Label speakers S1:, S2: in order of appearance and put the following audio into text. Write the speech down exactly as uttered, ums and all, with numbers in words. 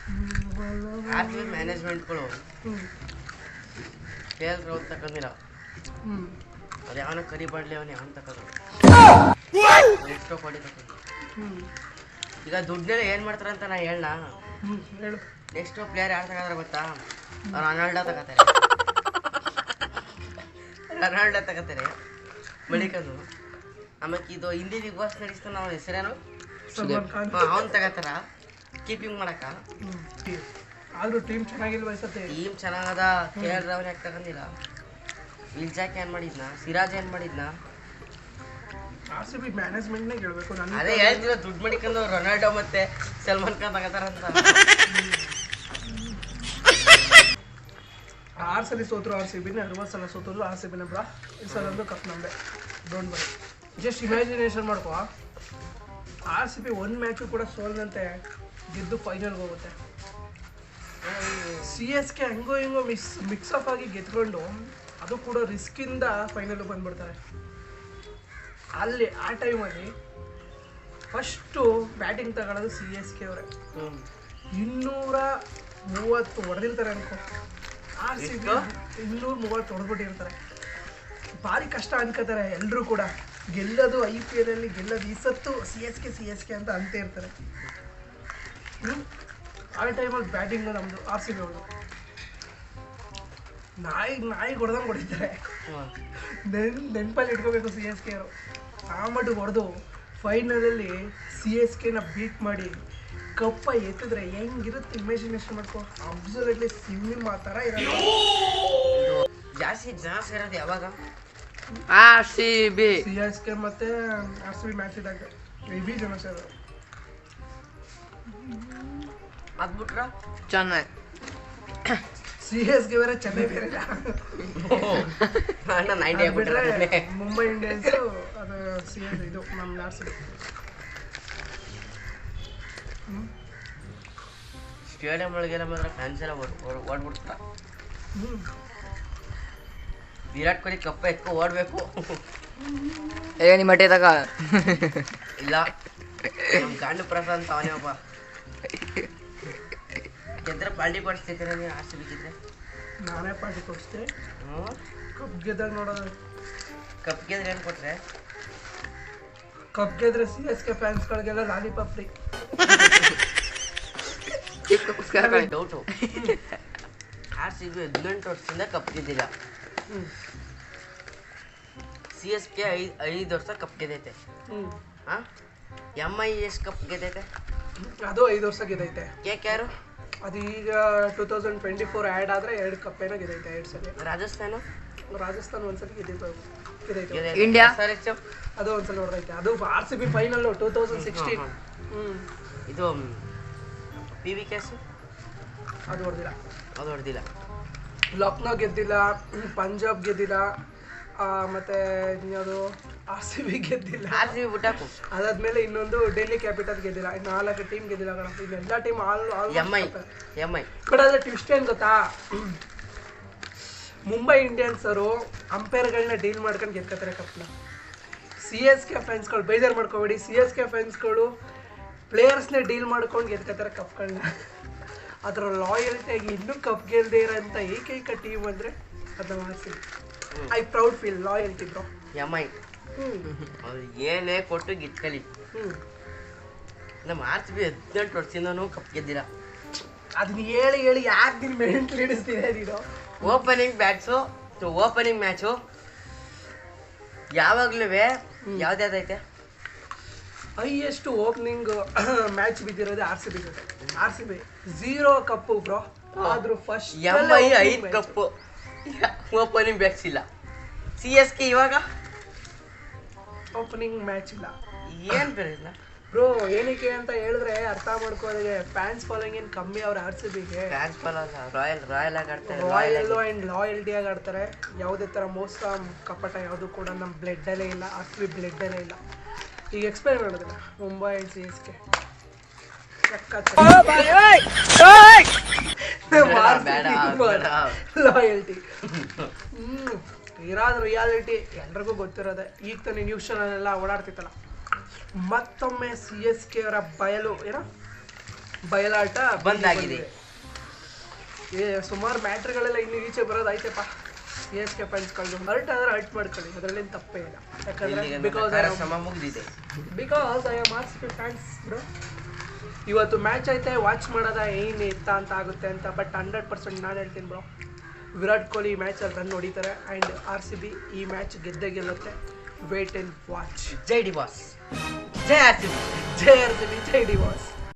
S1: R C B ಮ್ಯಾನೇಜ್ಮೆಂಟ್ಗಳು K L Rahul ತಗೊಂಡಿಲ್ಲ. ಅದು ಯಾವನ ಕರಿ ಬಾಡ್ಲಿ ಅವನು ಯಾವನ್ ತಗೊಂಡು ಎಷ್ಟೋ ಕೊಡಿ ತಗೊಂಡು. ಈಗ ದುಡ್ಡನ್ನೆಲ್ಲ ಏನು ಮಾಡ್ತಾರೆ ಅಂತ ನಾ ಹೇಳ. ನೆಕ್ಸ್ಟ್ ಪ್ಲೇಯರ್ ಯಾರು ತಗೋತಾರೆ ಗೊತ್ತಾ? ಅವ್ರು ರೊನಾಲ್ಡೋ ತಗೋತಾರೆ. ರೊನಾಲ್ಡೋ ತಗೋತಾರೆ ಬಳಿಕಂದು. ಆಮೇಲೆ ಇದು ಹಿಂದಿ ಬಿಗ್ ಬಾಸ್ ನಡೆಸ್ತಾನೆ ಅವನ ಹೆಸರೇನು ಅವ್ನು ತಗೋತಾರ ಕೀಪಿಂಗ್ ಮಾಡಕ.
S2: ಆದ್ರೂ ಟೀಮ್ ಚೆನ್ನಾಗಿಲ್ವ ಸತ್ತೆ?
S1: ಟೀಮ್ ಚೆನ್ನಾಗದ. ಕೆ ಎಲ್ ರಾಹುಲ್ ಯಾಕೆ ತಗೊಂಡಿಲ್ಲ? ವಿಲ್ಜಾಕ್ ಏನ್ ಮಾಡಿದ್ನ? ಸಿರಾಜ್ ಏನ್ ಮಾಡಿದ್ನ?
S2: ಆರ್ ಸಿ ಬಿ ಮ್ಯಾನೇಜ್ಮೆಂಟ್ನೇ ಹೇಳ್ಬೇಕು.
S1: ಅದೇ ಹೇಳ್ತಿಲ್ಲ ದುಡ್ಡು ಮಾಡಿಕೊಂಡು ರೊನಾಲ್ಡೋ ಮತ್ತೆ ಸಲ್ಮಾನ್ ಖಾನ್ ತಗೋತಾರಂತ.
S2: ಆರು ಸಲ ಸೋತರು ಆರ್ ಸಿ ಬಿನ, ಅರವತ್ತು ಸಲ ಸೋತರು ಆರ್ ಸಿ ಬಿನ ಬ್ರಾ. ಈ ಸಲ ಒಂದು ಕಪ್ ನಮ್ಮದೇ. Don't worry. ಜಸ್ಟ್ ಇಮ್ಯಾಜಿನೇಷನ್ ಮಾಡ್ಕೋ, ಆರ್ ಸಿ ಬಿ ಒಂದು ಮ್ಯಾಚು ಕೂಡ ಸೋಲ್ದಂತೆ ಗೆದ್ದು ಫೈನಲ್ಗೆ ಹೋಗುತ್ತೆ. ಸಿ ಎಸ್ ಕೆ ಹಂಗೋ ಹಿಂಗೋ ಮಿಕ್ಸ್ ಮಿಕ್ಸಪ್ ಆಗಿ ಗೆದ್ಕೊಂಡು ಅದು ಕೂಡ ರಿಸ್ಕಿಂದ ಫೈನಲ್ ಬಂದ್ಬಿಡ್ತಾರೆ. ಅಲ್ಲಿ ಆ ಟೈಮಲ್ಲಿ ಫಸ್ಟು ಬ್ಯಾಟಿಂಗ್ ತಗೊಳ್ಳೋದು ಸಿ ಎಸ್ ಕೆ ಅವರೇ. ಇನ್ನೂರ ಮೂವತ್ತು ಹೊಡೆದಿರ್ತಾರೆ ಅನ್ಕೋ. ಆರ್ ಸಿ ಬಿ ಇನ್ನೂರ ಮೂವತ್ತು ಹೊಡೆದ್ಬಿಟ್ಟಿರ್ತಾರೆ. ಭಾರಿ ಕಷ್ಟ ಅನ್ಕೋತಾರೆ ಎಲ್ಲರೂ ಕೂಡ. ಗೆಲ್ಲೋದು ಐ ಪಿ ಎಲ್ ಅಲ್ಲಿ ಗೆಲ್ಲೋದು ಈ ಸತ್ತು C S K C S K ಅಂತ ಅಂತ ಇರ್ತಾರೆ. ಆ ಟೈಮಲ್ಲಿ ಬ್ಯಾಟಿಂಗು ನಮ್ಮದು ಆರ್ ಸಿ ಬಿ ಅವರು ನಾಯಿ ನಾಯಿ ಹೊಡೆದಂಗೆ ಹೊಡಿತಾರೆ. ನೆನ್ ನೆನಪಲ್ಲಿ ಇಟ್ಕೋಬೇಕು ಸಿ ಎಸ್ ಕೆ ಅವರು. ಆ ಮಟ್ಟಿಗೆ ಹೊಡೆದು ಫೈನಲಲ್ಲಿ ಸಿ ಎಸ್ ಕೆನ ಬೀಟ್ ಮಾಡಿ ಕಪ್ಪ ಎತ್ತಿದ್ರೆ ಹೆಂಗಿರುತ್ತೆ ಇಮ್ಯಾಜಿನೇಷನ್ ಮಾಡ್ಕೋ. ಅಬ್ಸಲ್ಯೂಟ್ಲಿ ಸಿನಿಮಾ ಥರ ಇರೋದು.
S1: ಜಾಸ್ತಿ ಜನ ಸೇರೋದು ಯಾವಾಗ?
S3: R C B
S2: C S K ಮತ್ತೆ ಆರ್ ಸಿ ಬಿ ಮ್ಯಾಚ್ ಇದ್ದಾಗ ಹೆವಿ ಜನ ಸೇರೋದು.
S1: ಅದ್ಬಿಟ್ರ
S3: ಚೆನ್ನೈ.
S2: ಸಿ ಎಸ್ ಗೆ ಬೇರೆ ಚೆನ್ನೈ ಬೇರೆ ಬಿಟ್ರೆ ಮುಂಬೈ ಇಂಡಿಯನ್ಸು ಅದು ಸಿ ಎಸ್ ಇದು ನಮ್ಮ ಆರ್ ಸಿ ಬಿ.
S1: ಸ್ಟೇಡಿಯಂ ಒಳಗೆಲ್ಲ ಮಾತ್ರ ಫ್ಯಾನ್ಸ್ ಎಲ್ಲ ಓಡ್ಬಿಡ್ತಾರ. ವಿರಾಟ್ ಕೊಹ್ಲಿ ಕಪ್ಪ ಎತ್ಕೊ ಓಡ್ಬೇಕು.
S3: ಏ ನಿಮ್ಮ ಮಟ್ಟೆ ತಗ
S1: ಇಲ್ಲ ನಮ್ಮ ಗಾಂಡು ಪ್ರಸಾದ್ ಅವನೇ ಒಬ್ಬ ಗೆದ್ರೆ ಪಾರ್ಟಿ ಕೊಡಿಸ್ತಿದ್ದೀರ ನೀವು ಆರ್ ಸಿ ಬಿ ಗೆದ್ರೆ?
S2: ನಾನೇ ಪಾರ್ಟಿ ಕೊಡಿಸ್ತೆ.
S1: ಹ್ಞೂ
S2: ಕಪ್ ಗೆದ್ದಾಗ ನೋಡೋದು.
S1: ಕಪ್ ಗೆದ್ರೆ ಏನು ಕೊಟ್ರೆ?
S2: ಕಪ್ ಗೆದ್ರೆ ಸಿ ಎಸ್ ಕೆ ಫ್ಯಾನ್ಸ್ಗಳಿಗೆಲ್ಲ lollipop free.
S1: Doubt, R C B ಹದಿನೆಂಟು ವರ್ಷದಿಂದ ಕಪ್ ಗೆದ್ದಿಲ್ಲ. ಸಿ ಎಸ್ ಕೆ ಐದು ಐದು ವರ್ಷ ಕಪ್ ಗೆದ್ದೈತೆ. ಹಾಂ, ಎಮ್ ಐ ಎಷ್ಟು ಕಪ್ ಗೆದ್ದೈತೆ?
S2: ಅದು ಐದು ವರ್ಷ ಗೆದ್ದೈತೆ.
S1: ಕೆ ಕೆ ಆರು
S2: ಅದು ಈಗ ಟೂ ತೌಸಂಡ್ ಟ್ವೆಂಟಿ ಫೋರ್ ಆ್ಯಡ್ ಆದರೆ ಎರಡು ಕಪ್ ಏನೋ ಗೆದ್ದೈತೆ ಎರಡು ಸಲ.
S1: ರಾಜಸ್ಥಾನ
S2: ರಾಜಸ್ಥಾನ ಒಂದ್ಸಲ ಗೆದ್ದಿತ್ತು ಗೆದ್ದೈತೆ.
S3: ಇಂಡಿಯಾ
S2: ಅದು ಒಂದ್ಸಲ ಹೊಡೆದೈತೆ. ಅದು R C B final two thousand sixteen. ಹ್ಞೂ
S1: ಇದು ಪಿ ವಿ ಕೆಸು
S2: ಅದು ಹೊಡೆದಿಲ್ಲ.
S1: ಅದು ಹೊಡೆದಿಲ್ಲ.
S2: ಲಕ್ನೋ ಗೆದ್ದಿಲ್ಲ, ಪಂಜಾಬ್ ಗೆದ್ದಿಲ್ಲ, ಮತ್ತೆ ಇನ್ಯಾವುದು ಆರ್ ಸಿ ಬಿ ಗೆದ್ದಿಲ್ಲ.
S1: ಆರ್ ಸಿ ಬಿ ಬಿಟ್ಟಾಕು.
S2: ಅದಾದ್ಮೇಲೆ ಇನ್ನೊಂದು ಡೆಲ್ಲಿ ಕ್ಯಾಪಿಟಲ್ ಗೆದ್ದಿಲ್ಲ. ಇನ್ನು ನಾಲ್ಕು ಟೀಮ್ ಗೆದ್ದಿಲ್ಲ ಕಣ. ಇನ್ನೆಲ್ಲ team all
S1: M I M I
S2: ಕಡೆ ಅದ್ರ ಟ್ವಿಸ್ಟ್ ಏನು ಗೊತ್ತಾ? ಮುಂಬೈ ಇಂಡಿಯನ್ಸ್ ಅವರು ಅಂಪೈರ್ಗಳನ್ನ ಡೀಲ್ ಮಾಡ್ಕೊಂಡು ಗೆದ್ಕೋತಾರೆ ಕಪ್ನ. ಸಿ ಎಸ್ ಕೆ ಫ್ಯಾನ್ಸ್ಗಳು ಬೇಜಾರು ಮಾಡ್ಕೋಬೇಡಿ, ಸಿ ಎಸ್ ಕೆ ಫ್ಯಾನ್ಸ್ಗಳು ಪ್ಲೇಯರ್ಸ್ನೇ ಡೀಲ್ ಮಾಡ್ಕೊಂಡು ಗೆದ್ಕೋತಾರೆ ಕಪ್ಗಳನ್ನ. ಅದರ ಲಾಯಲ್ಟಿಯಾಗಿ ಇನ್ನೂ ಕಪ್ ಗೆಲ್ಲದೆ ಇರೋಂಥ ಏಕೈಕ ಟೀಮ್ ಅಂದರೆ ಅದು R C B. I proud feel loyalty bro.
S1: M I ಅವ್ರು ಏನೇ ಕೊಟ್ಟು ಗಿಟ್ಕಲಿ. ನಮ್ಮ ಆರ್ ಸಿ ಬಿ ಹದಿನೆಂಟು ವರ್ಷದಿಂದನೂ ಕಪ್ ಗೆದ್ದಿಲ್ಲ.
S2: ಅದನ್ನ ಹೇಳಿ ಹೇಳಿ ಯಾಕೆ ನೀನು ಮೆಂಟ್ಲಿ ಹಿಡಿಸ್ತೀರಾ ನೀನು?
S1: ಓಪನಿಂಗ್ ಬ್ಯಾಟ್ಸು ಓಪನಿಂಗ್ ಮ್ಯಾಚು ಯಾವಾಗಲೂ ಯಾವ್ದಾದೈತೆ?
S2: ಹೈಯೆಸ್ಟ್ ಓಪನಿಂಗ್ ಮ್ಯಾಚ್ ಬಿದ್ದಿರೋದು ಆರ್ ಸಿ ಬಿ ಜೊತೆ. R C B zero cup bro. ಆದ್ರೂ ಫಸ್ಟ್
S1: ಎಮ್ ಐ ಐದು ಕಪ್ಪು, ಓಪನಿಂಗ್ ಬ್ಯಾಟ್ಸ್ ಇಲ್ಲ. ಸಿ ಎಸ್ ಕೆ ಇವಾಗ
S2: ಓಪನಿಂಗ್ ಮ್ಯಾಚ್ ಇಲ್ಲ.
S1: ಏನು ಬರಲ್ಲ
S2: ಬ್ರೋ. ಏನಕ್ಕೆ ಅಂತ ಹೇಳಿದ್ರೆ ಅರ್ಥ ಮಾಡ್ಕೊಳ್ಳೋದಿಗೆ ಫ್ಯಾನ್ಸ್ ಫಾಲೋಯಿಂಗ್ ಏನು ಕಮ್ಮಿ ಅವ್ರ ಆರ್ ಸಿ ಬಿಗೆ.
S1: ಫ್ಯಾನ್ಸ್ ಫಾಲೋಲ್ಲ, ರಾಯಲ್ ರಾಯಲ್ ಆಗಿ ಆಡ್ತಾರೆ.
S2: ರಾಯಲ್ ಆ್ಯಂಡ್ ಲಾಯಲ್ಟಿಯಾಗಿ ಆಡ್ತಾರೆ. ಯಾವುದೇ ಥರ ಮೋಸ ಕಪಟ ಯಾವುದು ಕೂಡ ನಮ್ಮ ಬ್ಲಡ್ಡಲ್ಲೇ ಇಲ್ಲ. ಆರ್ ಸಿ ಬಿ ಬ್ಲಡ್ಡಲ್ಲೇ ಇಲ್ಲ. ಈಗ ಎಕ್ಸ್ಪ್ಲೈನ್ ಮಾಡೋದಿಲ್ಲ Mumbai and C S K loyalty. ಹ್ಞೂ ಇರೋದು ರಿಯಾಲಿಟಿ ಎಲ್ರಿಗೂ ಗೊತ್ತಿರೋದೆ. ಈಗ ತಾನೇ ನ್ಯೂಸ್ ಚಾನಲ್ ಎಲ್ಲ ಓಡಾಡ್ತಿತ್ತಲ್ಲ. ಮತ್ತೊಮ್ಮೆ ಸಿ ಎಸ್ ಕೆ ಅವರ ಬಯಲು ಏನೋ ಬಯಲಾಟ
S1: ಬಂದಾಗಿದೆ.
S2: ಏ ಸುಮಾರು ಮ್ಯಾಟ್ರ್ಗಳೆಲ್ಲ ಇನ್ನು ಈಚೆ ಬರೋದಾಯ್ತಪ್ಪ. ಸಿ ಎಸ್ ಕೆ ಫ್ಯಾನ್ಸ್ಗಳು ಹರ್ಟ್ ಆದ್ರೆ ಹರ್ಟ್ ಮಾಡ್ಕೊಳ್ಳಿ, ಅದರಲ್ಲೇನು ತಪ್ಪೇ ಇಲ್ಲ. ಯಾಕಂದ್ರೆ ಬಿಕಾಸ್
S1: ಸಮ ಮುಗ್ದಿದೆ.
S2: Because I am R C B fans bro. ಇವತ್ತು ಮ್ಯಾಚ್ ಐತೆ, ವಾಚ್ ಮಾಡೋದ ಏನು ಎತ್ತ ಅಂತ ಆಗುತ್ತೆ ಅಂತ. ಬಟ್ ಹಂಡ್ರೆಡ್ ಪರ್ಸೆಂಟ್ ನಾನು ಹೇಳ್ತೀನಿ ಬ್ರೋ, ವಿರಾಟ್ ಕೊಹ್ಲಿ ಈ ಮ್ಯಾಚಲ್ಲಿ ರನ್ ಹೊಡಿತಾರೆ ಆ್ಯಂಡ್ ಆರ್ ಸಿ ಬಿ ಈ ಮ್ಯಾಚ್ ಗೆದ್ದೇ ಗೆಲ್ಲುತ್ತೆ. Wait and watch.
S1: ಜೈ ಡಿ ಬಾಸ್, ಜೈ ಆರ್ ಸಿ ಬಿ,
S2: ಜೈ ಆರ್ ಸಿ ಬಿ, ಜೈ ಡಿ ಬಾಸ್.